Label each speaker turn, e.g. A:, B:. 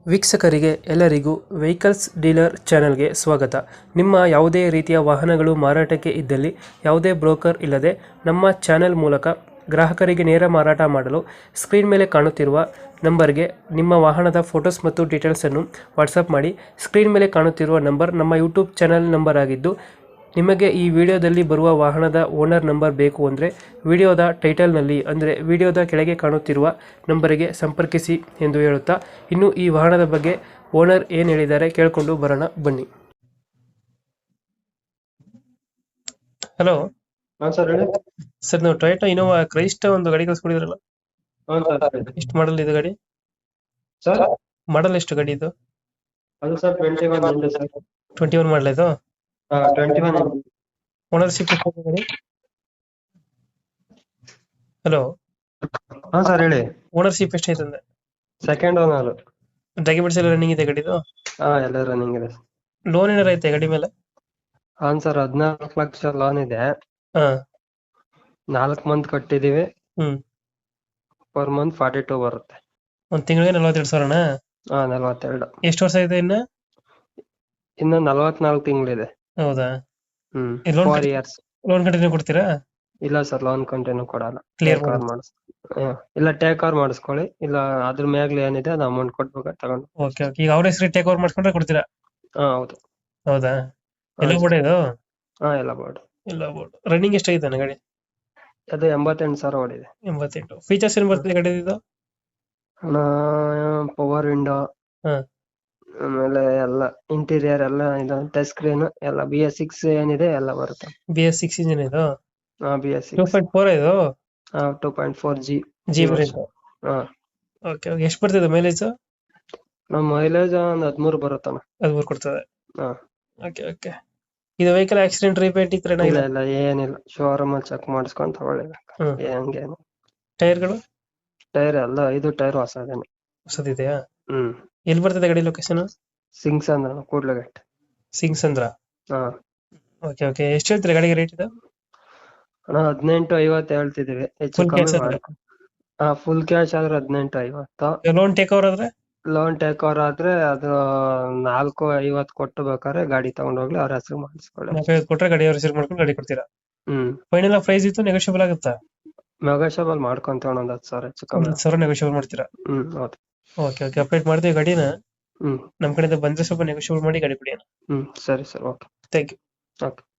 A: ವೀಕ್ಷಕರಿಗೆ ಎಲ್ಲರಿಗೂ vehicles dealer ಚಾನೆಲ್ಗೆ ಸ್ವಾಗತ. ನಿಮ್ಮ ಯಾವುದೇ ರೀತಿಯ ವಾಹನಗಳು ಮಾರಾಟಕ್ಕೆ ಇದ್ದಲ್ಲಿ ಯಾವುದೇ ಬ್ರೋಕರ್ ಇಲ್ಲದೆ ನಮ್ಮ ಚಾನೆಲ್ ಮೂಲಕ ಗ್ರಾಹಕರಿಗೆ ನೇರ ಮಾರಾಟ ಮಾಡಲು ಸ್ಕ್ರೀನ್ ಮೇಲೆ ಕಾಣುತ್ತಿರುವ ನಂಬರ್ಗೆ ನಿಮ್ಮ ವಾಹನದ ಫೋಟೋಸ್ ಮತ್ತು ಡೀಟೇಲ್ಸನ್ನು ವಾಟ್ಸಪ್ ಮಾಡಿ. ಸ್ಕ್ರೀನ್ ಮೇಲೆ ಕಾಣುತ್ತಿರುವ ನಂಬರ್ ನಮ್ಮ ಯೂಟ್ಯೂಬ್ ಚಾನೆಲ್ ನಂಬರ್ ಆಗಿದ್ದು, ನಿಮಗೆ ಈ ವಿಡಿಯೋದಲ್ಲಿ ಬರುವ ವಾಹನದ ಓನರ್ ನಂಬರ್ ಬೇಕು ಅಂದರೆ ವಿಡಿಯೋದ ಟೈಟಲ್ನಲ್ಲಿ ಅಂದರೆ ವಿಡಿಯೋದ ಕೆಳಗೆ ಕಾಣುತ್ತಿರುವ ನಂಬರಿಗೆ ಸಂಪರ್ಕಿಸಿ ಎಂದು ಹೇಳುತ್ತಾ, ಇನ್ನು ಈ ವಾಹನದ ಬಗ್ಗೆ ಓನರ್ ಏನು ಹೇಳಿದ್ದಾರೆ ಕೇಳಿಕೊಂಡು ಬರೋಣ ಬನ್ನಿ. ಹಲೋ
B: ಹಾ ಸರ್ ಹೇಳಿ.
A: ಸರ್, ನಾವು ಟೊಯೋಟಾ ಇನೋವಾ ಕ್ರೈಸ್ಟ ಒಂದು ಗಾಡಿ ಕಳಿಸ್ಕೊಡಿದ್ರಲ್ಲ,
B: ಹಾ ಸರ್
A: ಎಷ್ಟು ಮಾಡಲ್ ಇದು ಗಾಡಿ?
B: ಸರ್
A: ಮಾಡಲ್ ಎಷ್ಟು ಗಾಡಿ ಇದು?
B: ಅದು ಸರ್ 21 ಉಂಟು ಸರ್.
A: 21 ಮಾಡಲ್ ಇದು.
B: ಹಾ 21
A: ಓನರ್ಶಿಪ್ ಎಷ್ಟು ಗಾಡಿ? ಹಲೋ,
B: ಹಾ ಸರ್ ಹೇಳಿ.
A: ಓನರ್ಶಿಪ್ ಎಷ್ಟೈತೆ ಅಂದ್ರೆ?
B: Second owner.
A: ಡಾಕ್ಯುಮೆಂಟ್ಸ್ ಎಲ್ಲ ರನ್ನಿಂಗ್ ಇದೆ ಗಾಡಿದು?
B: ಹಾ ಎಲ್ಲ ರನ್ನಿಂಗ್ ಇದೆ.
A: ಲೋನ್ ಏನಾರ ಐತೆ ಗಾಡಿ ಮೇಲೆ?
B: ಹಾ ಸರ್ 14 ಲಕ್ಷ ಲೋನ್ ಇದೆ.
A: ಹಾ.
B: 4 ಮಂತ್ ಕಟ್ಟಿದೀವಿ.
A: ಹ್ಮ್.
B: ಪರ್ ಮಂತ್ 42 ಬರುತ್ತೆ.
A: ಒಂದ್ ತಿಂಗಳಿಗೆ 42,000ನಾ?
B: ಹಾ 42.
A: ಎಷ್ಟು ವರ್ಷ ಇದೆ ಇನ್ನ?
B: ಇನ್ನು 44 ತಿಂಗಳಿದೆ.
A: ಹೌದಾ?
B: ಹ್ಮ್.
A: Loan
B: 4 years.
A: ಲೋನ್ ಕಂಟಿನ್ಯೂ ಕೊಡ್ತೀರಾ?
B: ಇಲ್ಲ ಸರ್ ಲೋನ್ ಕಂಟಿನ್ಯೂ ಕೊಡಲ್ಲ.
A: Clear
B: ಟೇಕ್ ಓವರ್ ಇಲ್ಲ ಟೇಕ್ ಓವರ್ ಮಾಡಿಸ್ಕೊಳ್ಳಿ, ಇಲ್ಲ ಅದ್ರ ಮ್ಯಾಗ್ಲಿ ಏನಿದೆ ಅದು ಅಮೌಂಟ್ ಕೊಟ್ಬೇಕು ತಗೊಂಡು.
A: Okay okay. ಈಗ ಅವ್ರ ಹೆಸರು ಟೇಕ್ ಓವರ್ ಮಾಡ್ಕೊಂಡ್ರೆ ಕೊಡ್ತೀರಾ?
B: ಹಾ ಹೌದು.
A: ಹೌದಾ? ಎಲ್ಲ
B: ಹಾ,
A: ಬೋರ್ಡ್ ಇದು?
B: ಹಾ ಎಲ್ಲ ಬೋರ್ಡ್.
A: ಎಲ್ಲ ಬೋರ್ಡ್. ರನ್ನಿಂಗ್ ಎಷ್ಟಾಗಿದೆ ಗಾಡಿ?
B: ಅದು 88 ಸಾವಿರ ಓಡಿದೆ.
A: 88. ಫೀಚರ್ಸ್ ಏನ್ ಬರ್ತದೆ ಗಾಡಿ ಇದು?
B: ಪವರ್ ವಿಂಡೋ,
A: ಹಾ.
B: ಆಮೇಲೆ ಎಲ್ಲ ಇಂಟೀರಿಯರ್ ಎಲ್ಲ ಇದು ಟಚ್ ಸ್ಕ್ರೀನ್ ಎಲ್ಲ BS6 ಏನಿದೆ ಎಲ್ಲ ಬರುತ್ತೆ.
A: BS6 ಇಂಜಿನ್ ಇದು?
B: BS6
A: 2.4 ಇದು?
B: 2.4G
A: G variant. Okay okay. ಎಷ್ಟು ಬರ್ತಿದೆ ಮೈಲೇಜ್?
B: ನಮ್ಮ ಮೈಲೇಜ್ ಒಂದ್ 13 ಬರುತ್ತಣ್ಣ.
A: 13 ಕೊಡ್ತದೆ.
B: ಹಾ.
A: Okay okay. ಇದು ವೆಹಿಕಲ್ ಆಕ್ಸಿಡೆಂಟ್ ರಿಪೇಂಟ್ ಈ ತರ
B: ಇಲ್ಲ
A: ಏನಾಗಿಲ್ಲ?
B: ಇಲ್ಲ ಏನಿಲ್ಲ, ಶೋರೂಮ್ ಅಲ್ಲಿ ಚೆಕ್ ಮಾಡಿಸ್ಕೊಂಡ್ ತಗೊಳ್ಳಿಬೇಕು.
A: ಹ್ಮ್.
B: ಹಂಗೇನು.
A: ಟೈರ್ಗಳು?
B: ಟೈರ್ ಎಲ್ಲ 5 ಟೈರ್ ಹೊಸದೇನೆ.
A: ಹೊಸದಿದೆಯಾ?
B: ಹ್ಮ್.
A: ಎಲ್ಲಿ ಬರ್ತದೆ ಗಾಡಿ ಲೊಕೇಶನ್?
B: ಸಿಂಗ್ಸ್ ಅಂದ್ರ ಕೂಡ್ಲಗಟ್ಟೆ.
A: ಸಿಂಗ್ಸ್ ಅಂದ್ರ?
B: ಹಾ.
A: Okay okay. ಎಷ್ಟು ಹೇಳ್ತೀರಾ ಗಾಡಿಗೆ ರೇಟ್ ಇದು?
B: ಅಣ್ಣ 18,50 ಹೇಳ್ತಿದೀವಿ, ಹೆಚ್ಚು
A: ಫುಲ್ ಕ್ಯಾಶ್
B: ಕಮ್ಮಿ
A: ಆದ್ರೆ?
B: ಮಾಡಿ. ಫುಲ್ ಕ್ಯಾಶ್ ಆದ್ರೆ 18,50.
A: ಲೋನ್ ಟೇಕ್ ಓವರ್ ಆದ್ರೆ?
B: ಲೋನ್ ಟೇಕ್ ಓವರ್ ಆದ್ರೆ ಅದು 4,50 ಕೊಟ್ಟು ಬೇಕಾದ್ರೆ ಗಾಡಿ ತಗೊಂಡೋಗ್ಲಿ, ಅವ್ರ ಹೆಸರು ಮಾಡಿಸ್ಕೊಳ್ಳಿ.
A: 4,50 ಕೊಟ್ರೆ ಗಾಡಿ ಅವ್ರ ಹೆಸರು ಮಾಡ್ಕೊಂಡು ಗಾಡಿ ಕೊಡ್ತೀರಾ?
B: ಹ್ಮ್.
A: ಫೈನಲ್ ಪ್ರೈಸ್ ಇತ್ತು, ನೆಗೋಷಿಯಬಲ್ ಆಗುತ್ತಾ?
B: ನೆಗೋಷಿಯಬಲ್ ಮಾಡ್ಕೊಂತ ಒಂದ್ 10,000 ಹೆಚ್ಚು ಕಮ್ಮಿ.
A: 10,000 ನೆಗೋಷಿಯಬಲ್ ಮಾಡ್ತೀರಾ?
B: ಹೌದು.
A: Okay okay. ಅಪ್ಡೇಟ್ ಮಾಡ್ತೀವಿ ಗಾಡಿನ.
B: ಹ್ಮ್.
A: ನಮ್ ಕಡೆಯಿಂದ ಬಂದ್ರೆ ಸ್ವಲ್ಪ ನೆಗೋಷಿಯಬಲ್ ಮಾಡಿ ಗಾಡಿ ಕೊಡಿ.
B: ಸರಿ sir, okay.
A: Thank you.
B: Okay.